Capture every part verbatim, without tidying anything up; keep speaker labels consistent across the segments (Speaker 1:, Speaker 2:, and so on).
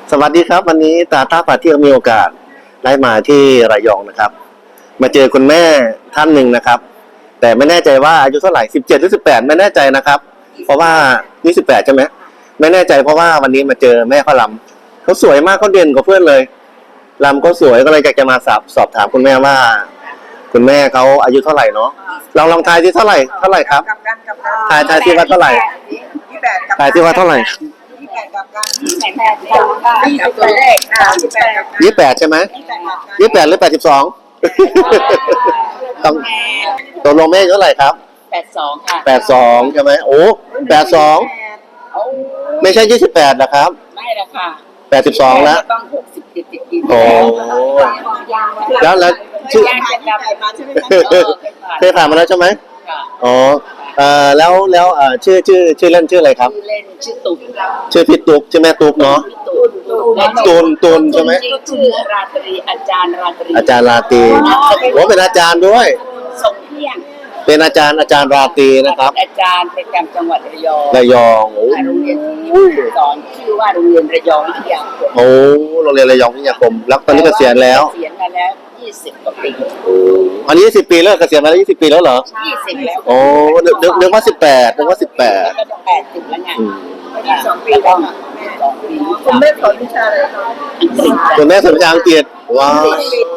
Speaker 1: สวัสดีครับวันนี้ตาต้าพาเที่ยวมีโอกาสได้มาที่ระยองนะครับมาเจอคุณแม่ท่านหนึ่งนะครับแต่ไม่แน่ใจว่าอายุเท่าไหร่สิบเจ็ดหรือสิบแปดไม่แน่ใจนะครับเพราะว่ายี่สิบแปดใช่ไหมไม่แน่ใจเพราะว่าวันนี้มาเจอแม่เขาลำเขาสวยมากเขาเด่นกว่าเพื่อนเลยลำก็สวยก็เลยอยากจะมาสอบสอบถามคุณแม่ว่าคุณแม่เขาอายุเท่าไหร่เนาะลองลองทายที่เท่าไหร่เท่าไหร่ครับทายทายที่ว่าเท่าไหร่ทายที่ว่าเท่าไหร่ยี่แปดใช่ไหมยี่แปดหรือแปดสิบสองต้องตัวลงแม่เท่าไหร่ครับ
Speaker 2: แปดสองค่ะ
Speaker 1: แปดสองใช่ไหมโอ้แปดสองไม่ใช่ยี่สิบแปดนะครับ
Speaker 2: ไม่ละค่ะ
Speaker 1: แปดสิบสองแล้ว
Speaker 2: ต้องหกสิบติดติดกิน
Speaker 1: โอ้แล้วแล้วชื่อเคยผ่านมาแล้วใช่ไหมอ๋อเอ่อแล้วแล้วเอ่อชื่อชื่อชื่อเล่นชื่ออะไรครับ
Speaker 2: ชื่อเล่นชื่อตุ๊ก
Speaker 1: ชื่อพี่ตุ๊กชื่อแม่ตุ๊กเนาะตุนตุนใช่ไหม
Speaker 2: ชื่อราตรีอาจารย์ราตรี
Speaker 1: อาจารย์ราตรีโอ้เป็นอาจารย์ด้วย
Speaker 2: ส่งเที่ยง
Speaker 1: เป็นอาจารย์อาจารย์ราตรีนะครับ
Speaker 2: อาจารย์ประจำจังหวัดระยอง
Speaker 1: ระยองโอ้
Speaker 2: โรงเรียนที่สอนชื่อว่าโรงเรียนระยองวิทยาคม
Speaker 1: โอ้โรงเรียนระยองวิทยาคมแล้วตอนนี้เกษียณแล้ว
Speaker 2: เกษียณมาแล้วยี่สิบกว่าปี
Speaker 1: อันนี้ยี่สิบปีแล้วเกษียณมาแล้วยี่สิบปีแล้วเหรอ
Speaker 2: ยี่สิบแล้ว
Speaker 1: โอ้นึกนึกว่าสิบแปดนึกว่าสิบแปด
Speaker 2: ก็จะแปดสิบแล้วไงสองปีแล้วคุณแม่สอนวิชาอะไรคะ
Speaker 1: คุณแม่สอนวิชาอังกฤษว้าว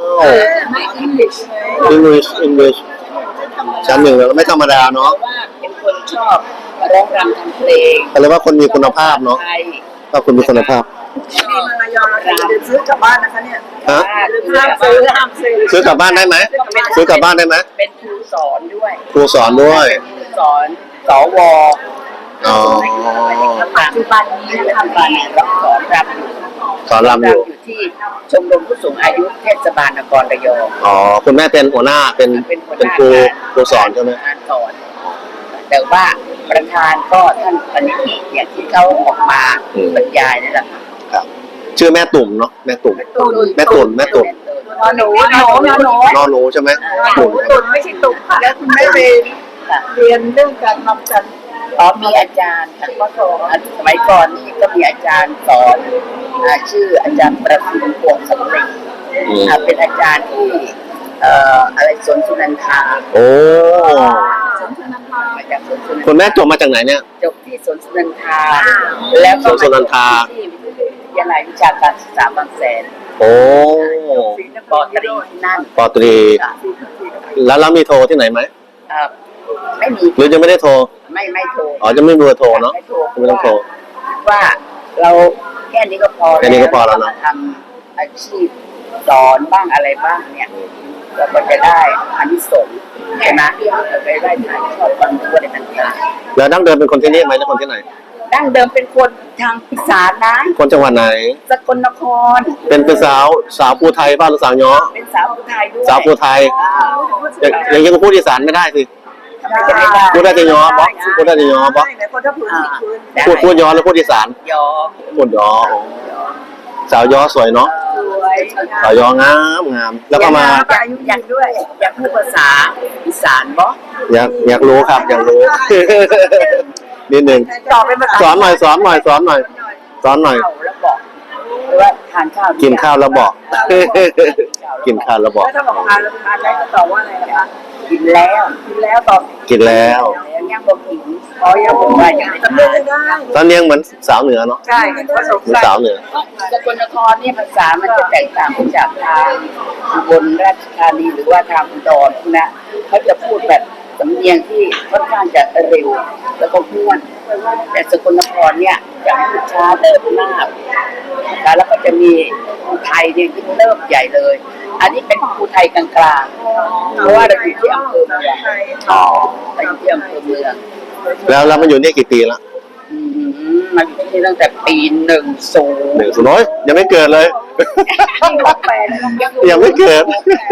Speaker 1: อังกฤษอังกฤษชั้นหนึ่งแล้วไม่ธรรมดาเนาะ
Speaker 2: ว่าเป็นคนชอบร้องรำทำเพลง
Speaker 1: อะไรว่าคนมีคุณภาพเนาะถ้าคนมีคุณภาพ
Speaker 2: นี่มายอมเราจะซื้อกลับบ้านนะคะเนี่ย
Speaker 1: ฮะ
Speaker 2: ห้ามซื้อห้ามซื้อ
Speaker 1: ซื้อกลับบ้านได้ไหมซื้อกลับบ้านได้ไหม
Speaker 2: เป็นครูสอนด้วย
Speaker 1: ครูสอนด้วย
Speaker 2: สอนสว
Speaker 1: อ๋อ
Speaker 2: ปัจจุบันนี้ทำการสอนรำ
Speaker 1: สอนรำอยู่
Speaker 2: ที่ชมรมผู้สูงอายุเทศบาลนครระยอง
Speaker 1: อ๋อคุณแม่เป็นหัวหน้าเป็นเป็นครูครูสอนใช่ไหม
Speaker 2: สอนแต่ว่าประธานก็ท่านปณิธิอย่างที่เขาออกมาบรรยายนั่นแหละ
Speaker 1: ครับชื่อแม่ตุ่มเนาะแม่ตุ่มแม่ตุ่มแม่ตุ่ม
Speaker 2: นอหนูนอหนูนอหนู
Speaker 1: นอหนูใช่ไหม
Speaker 2: ตุ่มตุ่มไม่ใช่ตุ่มค่ะแล้วคุณแม่เรียนเรียนเรื่องการทำจันอ๋อมีอาจารย์ท่านก็สอนสมัยก่อนนี่ก็มีอาจารย์สอนชื่ออาจารย์ประสิทธิ์พวงสำเร็จเป็นอาจารย์ที่เอ่ออะไรสวนสุนันทา
Speaker 1: โอ้
Speaker 2: สวนสุนันทามาจากสวนสุนันทา
Speaker 1: คุณแม่จบมาจากไหนเนี่ย
Speaker 2: จบที่สวนสุนันทาแล้วก็
Speaker 1: สวนสุนันทา
Speaker 2: ที่วิทยาลัยวิชาการศึกษาบางแสน
Speaker 1: โอ้
Speaker 2: ปอตรีที่นั่น
Speaker 1: ปอตรีแล้วเรามีโทรที่ไหนไหม
Speaker 2: ไม่มี
Speaker 1: หรือจะไม่ได้โทร
Speaker 2: ไม่ไม่โทร
Speaker 1: อ๋อจะไม่มีเบอร์โทรเนาะไม่ต้องโทร
Speaker 2: ว่าเราแค่นี้ก็พอ
Speaker 1: แค่นี้ก็พอแล้วนะ
Speaker 2: ทำอาชีพสอนบ้างอะไรบ้างเนี่ยเราก็จะได้อานิสงส์ใช่ไหมเราจะได้ถ่ายทอดความรู้อะไรต่าง
Speaker 1: ๆแล้วดั้งเดิมเป็นคนที่นี่ไหมหรือคนที่ไหน
Speaker 2: ดั้งเดิมเป็นคนทางอีสานนะ
Speaker 1: คนจังหวัดไหน
Speaker 2: สกลนคร
Speaker 1: เป็นเป็นสาวสาวภูไทยบ้านหรือสาวย้อ
Speaker 2: เป็นสาวภูไทยด้วย
Speaker 1: สาวภูไทยอย่างยังพูดอีสานไม่ได้สิพูดได้แต่ย้อปะพูดได้แต่ย้อปะพูดพูดย้อหรือพูดอีสาน
Speaker 2: ย้อ
Speaker 1: พูดย้อสาวย้อสวยเนาะสาวย้องามงามแล้วก็มา
Speaker 2: อยากด้วยอยากพูดภาษาอีสานบ่
Speaker 1: อยากอยากรู้ครับอยากรู้นิดนึงสอนหน่อยสอนหน่อยสอนหน่อยสอนหน่อย
Speaker 2: แล้วบอกว่าทานข้าว
Speaker 1: กินข้าวแล้วบอกกินข้าวแล้วบอก
Speaker 2: ถ้าบอกทานแล้วทานได้ก็ตอบว่าอะไรนะคะกินแล้วกินแล้วตอบ
Speaker 1: กินแล้ว
Speaker 2: ยังบอกกินอ๋อยังบอกว่ายังไม่ทำได้
Speaker 1: ตอนเลี้ยงเหมือนสาวเหนือเนาะ
Speaker 2: ใช่ผสม
Speaker 1: สาวเหนือ
Speaker 2: สกลนครเนี่ยภาษามันจะแตกต่างจากทางอุบลราชธานีหรือว่าทางอุดรนะเขาจะพูดแบบสำเนียงที่ค่อนข้างจะเร็วแล้วก็ม้วนแต่สกลนครเนี่ยจะพูดช้าเริ่มมากแล้วก็จะมีภูไทยเนี่ยยิ่งเริ่มใหญ่เลยอันนี้เป็นภูไทยกลางๆเพราะว่าเราอยู่ที่อำเภอเมืองอ๋อเราอยู่ที่อำเภอเมือง
Speaker 1: แล้วแล้วมันอยู่นี่กี่ปีแล้ว
Speaker 2: มาอยู่ที่นี่ตั้งแต่ปีหนึ่งศูนย์
Speaker 1: หนึ่งศูนย์น้อยยังไม่เกิดเลยยังไม่เกิด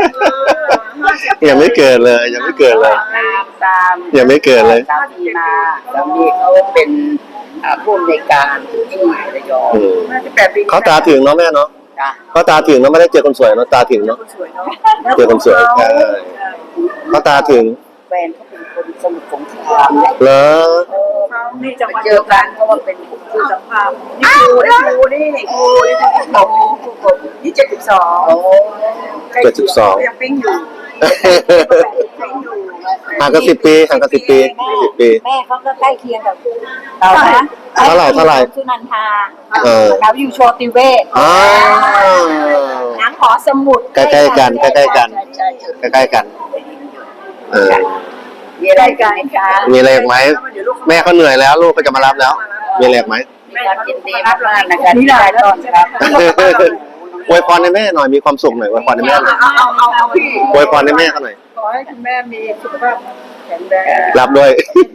Speaker 1: ยังไม่เกิดเลยยังไม่เกิดเลยยังไม่เกิดเลย
Speaker 2: สามีมาสามีเขาเป็นผู้อำนวยการที่ระยอง
Speaker 1: เขาตาถึงเนาะแม่เนาะเขาตาถึงเนาะไม่ได้เจอคนสวยเนาะตาถึงเนาะเจอคนสวยใช่เขาตาถึง
Speaker 2: แฟนเขาเป็นคนสมุทรสงคราม
Speaker 1: เหรอ
Speaker 3: นี่จังหวัด
Speaker 2: เจอกันเพราะว่าเป็น
Speaker 3: คือสัมภาษณ์นี่ครูนี่ครูนี่ครูนี่ครูผมครูผมนี่เจ็ดสิบสอง
Speaker 2: โอ้
Speaker 1: เจ็ดสิบสอง
Speaker 3: ยังปิ้งอยู่ปิ้งอยู่
Speaker 1: ห่างกันสิบปีห่างกันสิบปีสิบปี
Speaker 4: แม่เขาก็ใกล้เคียงกับเรานะ
Speaker 1: เท่าไหร่เท่าไหร่
Speaker 4: สุนันทา
Speaker 1: เออ
Speaker 4: เราอยู่โชติเวศ
Speaker 1: อ้าว
Speaker 4: หนังหอสมุด
Speaker 1: ใกล้ๆกันใกล้ๆกัน
Speaker 2: ใช่ใช่
Speaker 1: ใกล้ๆกัน เออ
Speaker 2: มีอะไรกันไหมคะ
Speaker 1: มีอะไรอีกไหมแม่เขาเหนื่อยแล้วลูกก็จะมารับแล้ว มีอะไรอีกไหม
Speaker 2: มีความยินดีมากๆนะคะที่ได้ต้อนรับ
Speaker 1: อวยพรให้แม่หน่อยมีความสุขหน่อยอวยพรให้แม่หน่อย
Speaker 3: เอาเอาเอาเอาพี่
Speaker 1: อวยพรให้แม่เขาหน่อย
Speaker 3: ขอให้คุณแม่มีสุขภาพแข็งแรง
Speaker 1: รับด้วย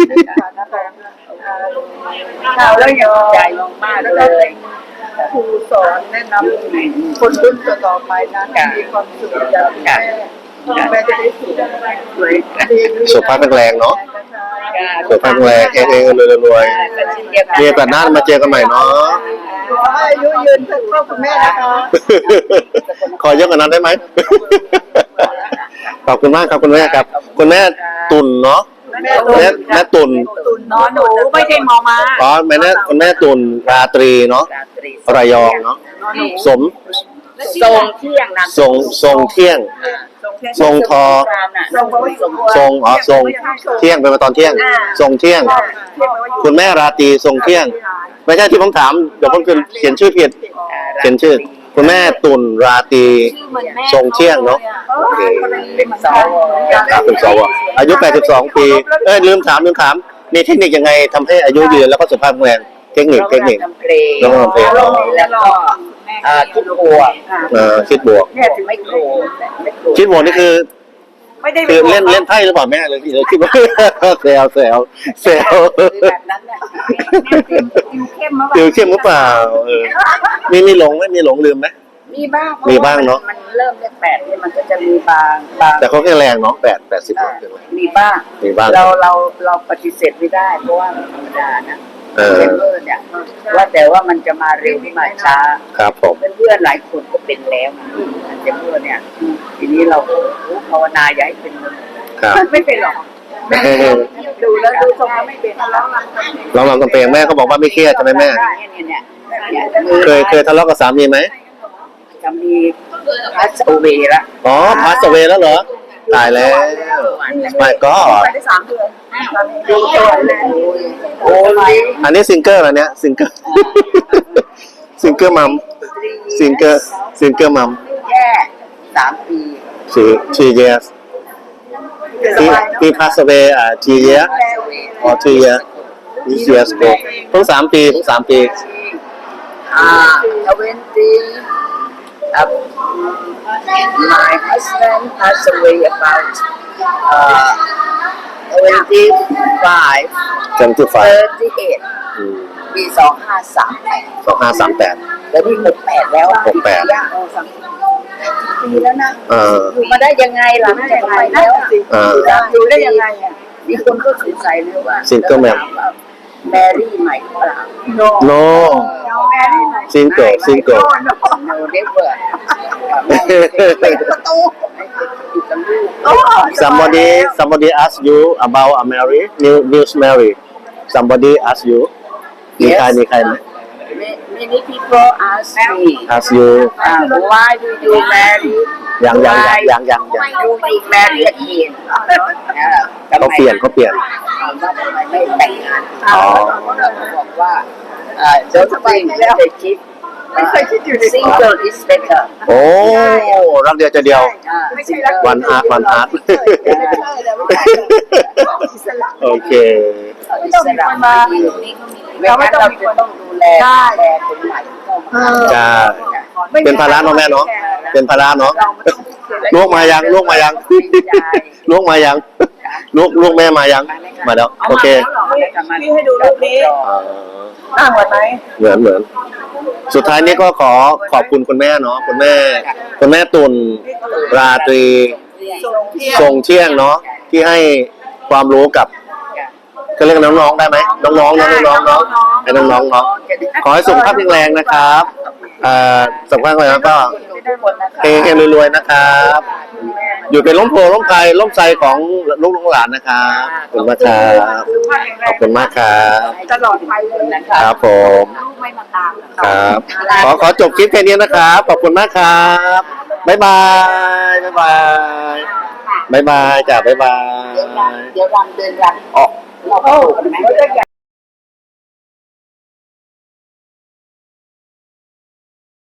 Speaker 2: เราแล้วยังใจมากๆเลย
Speaker 3: ครูสอนแนะนำคนรุ่นต่อไปนะมีความสุขอย่างแม่แม่จะได้สุขสวยดี
Speaker 1: สุขภาพแข็งแรงเนาะสุขภาพแข็งแรงเองเองรวยรวยๆมีโอกาสหน้ามาเจอกันใหม่เนาะ
Speaker 3: ขอให้อายุยืนถึงพ่อคุณแม่นะคะ
Speaker 1: ขอเยอะกว่านั้นได้ไหม ขอบคุณมากครับคุณแม่ครับ คุณแม่ตุ่นเนาะ
Speaker 3: แม่
Speaker 1: แม่แม่ตุ่น
Speaker 3: ตุน
Speaker 4: นอนหนูไม่ใช่มอมา
Speaker 1: อ๋อแม่แม่คุณแม่ตุ่นราตรีเนาะระยองเนาะสม
Speaker 2: ทรงเที่ยงนะ
Speaker 1: ทรงทรงเที่ยง ทรงทอ
Speaker 2: ทรงทรง
Speaker 1: ทรงอ๋อทรงเที่ยงเป็นมาตอนเที่ยง ทรงเที่ยง คุณแม่ราตรีทรงเที่ยง ไม่ใช่ที่ผมถามเดี๋ยวผมเขียนชื่อผิดเขียนชื่อ คุณแม่ตุ่นราตรี
Speaker 4: ชื่อเหมือนแม่
Speaker 1: ทรงเที่ยงเนาะ
Speaker 2: เป็นสาว
Speaker 1: ครับเป็นสวอายุแปดสิบสองปีเอ้ยลืมถามลืมถามมีเทคนิคยังไงทำให้อายุยืนแล้วก็สุขภาพแข็งแรงเทคนิคเทคนิค
Speaker 2: ทำเพลง
Speaker 1: ร้องทำเพลง
Speaker 2: แล้วก็เอ่อคิดบวก
Speaker 1: เอ่อคิดบวก
Speaker 2: แม่ถึงไม่โกรธไม่โกรธ
Speaker 1: คิดบวกนี่คือ
Speaker 3: ไม่ได้
Speaker 1: คือเล่นเล่นไพ่หรือเปล่าแม่เลยเลยคิดว่า แซวแซวแซว
Speaker 2: แบบนั้นน่ะ
Speaker 4: ติวเข้มมา
Speaker 1: ติวเข้มหรือเปล่าเออมีมีหลงไหมมีหลงลืมไหม
Speaker 2: มีบ้าง
Speaker 1: มีบ้างเนอะ
Speaker 2: มันเริ่มเลขแปดเนี่ยมันก็จะมีบางบาง
Speaker 1: แต่เขาแข็งแรงเนาะแปดแปดสิบแข็งแรง
Speaker 2: มีบ้าง
Speaker 1: มีบ้าง
Speaker 2: เราเราเราปฏิเสธไม่ได้เพราะว่ามันธรรมดานะ
Speaker 1: เออ
Speaker 2: เซมเมอร์เนี่ยว่าแต่ว่ามันจะมาเร็วหรือมาช้า
Speaker 1: ครับผม
Speaker 2: เพื่อนๆหลายคนก็เป็นแล้วนะเซมเมอร์เนี่ย ทีนี้เราก็ภาวนาอย่าให้เป็นเลย
Speaker 1: ครับ
Speaker 3: ไม่เป็นหรอกดูแล้วดูทรงแล้วไม่เป็นแล้ว
Speaker 1: ลองลองกันเพลงแม่เขาบอกว่าไม่เครียดใช่ไหมแม่
Speaker 2: เนี่ยเนี่ยเนี่ยมือ
Speaker 1: เคยเคยทะเลาะกับสามีไหม
Speaker 2: จะมีพัสเวละ
Speaker 1: อ๋อพาสเวแล้วเหรอตายแล้วไม่ก็
Speaker 3: ไปได้สามเดือน
Speaker 2: ดูตัวเลยโอ้ย
Speaker 1: อันนี้ซิงเกิลอะไรเนี้ยซิงเกิล ซิงเกิลมัมซิงเกิลซิงเกิลมัม
Speaker 2: แค่สามปี
Speaker 1: she she years he he passed away อ่า two years or two years this years ago เพิ่งสามปีเพิ่งสามปี
Speaker 2: อ่าทเวนตี้ my husband passed away about uh twenty-five
Speaker 1: เต็มที่ฝ่าย
Speaker 2: thirty-eight ปีสองห้าสามแปด
Speaker 1: สองห้าสามแปด
Speaker 2: แล้วนี่หกแปดแล้ว
Speaker 1: หกแปด
Speaker 2: ปีแล้วนะ
Speaker 1: เออ
Speaker 2: อยู่มาได้ยังไงล่ะไม่ยังไงแล้ว
Speaker 1: เออ
Speaker 3: อยู่ได้ยังไงอ่ะ
Speaker 2: มีคนก็สงสัยเลยว่า
Speaker 1: Single man
Speaker 2: แมรี่ใหม่เปล่า
Speaker 1: no single single
Speaker 2: no never
Speaker 3: ประตู
Speaker 2: อยู่กับลูก
Speaker 1: somebody somebody ask you about a Mary new news Mary somebody ask you มีใครมีใครไหม
Speaker 2: many people ask me
Speaker 1: ask you
Speaker 2: uh, why do you marry
Speaker 1: ยังยังยังยังยัง
Speaker 2: why do you marry again
Speaker 1: เขาเปลี่ยนเขาเปลี่ยน
Speaker 2: ถามว่าทำไมไม่แต่งงาน
Speaker 1: อ๋อ
Speaker 2: เราบอกว่าเอ่อ don't think that they keep
Speaker 3: ไม่เคยคิดอยู่ใน
Speaker 2: single is better
Speaker 1: โอ้รักเดียวใจเดียว
Speaker 2: อ่า
Speaker 3: ไม่ใช่รัก
Speaker 1: วันอาร์ตวันอาร์ต
Speaker 3: อิสระ
Speaker 1: โอเค
Speaker 2: อิสระมาไม่งั้นเราจะต้องดูแลแลคนใหม่เข้ามา
Speaker 1: ใช่ เป็นภาระเนาะแม่เนาะเป็นภาระเนาะลูกมายังลูกมายังลูกมายังลูกลูกแม่มายังมาแล้วโอเค
Speaker 3: พี่ให้ดูรูปนี้
Speaker 1: อ่า
Speaker 3: น่าเหมือนไหม
Speaker 1: เหมือนเหมือน สุดท้ายนี้ก็ขอขอบคุณคุณแม่เนาะคุณแม่ คุณแม่ตุลราตรีทรงเที่ยงเนาะที่ให้ความรู้กับก็เรียกน้องๆได้ไหมน้องๆเนาะน้องๆเนาะให้น้องๆเนาะขอให้สุขภาพแข็งแรงนะครับเอ่อสุขภาพแข็งแรงแล้วก็เฮงๆรวยๆนะครับอยู่เป็นล้มโพล้มไกลล้มใจของลูกหลานนะครับขอบคุณมากครับขอบคุณมากครับ
Speaker 3: ตลอดไปเลยนะ
Speaker 2: นะคะ
Speaker 1: ครับผม
Speaker 4: ลูกไม่มาตามเหรอ
Speaker 1: ครับ ขอขอจบคลิปแค่นี้นะครับ ขอบคุณมากครับบ๊ายบายบ๊ายบายบ๊ายบายจ้าบ๊ายบาย
Speaker 2: เดี๋ยวรำเดี๋ยวรำเดินรำออกนอกประตูกันไหม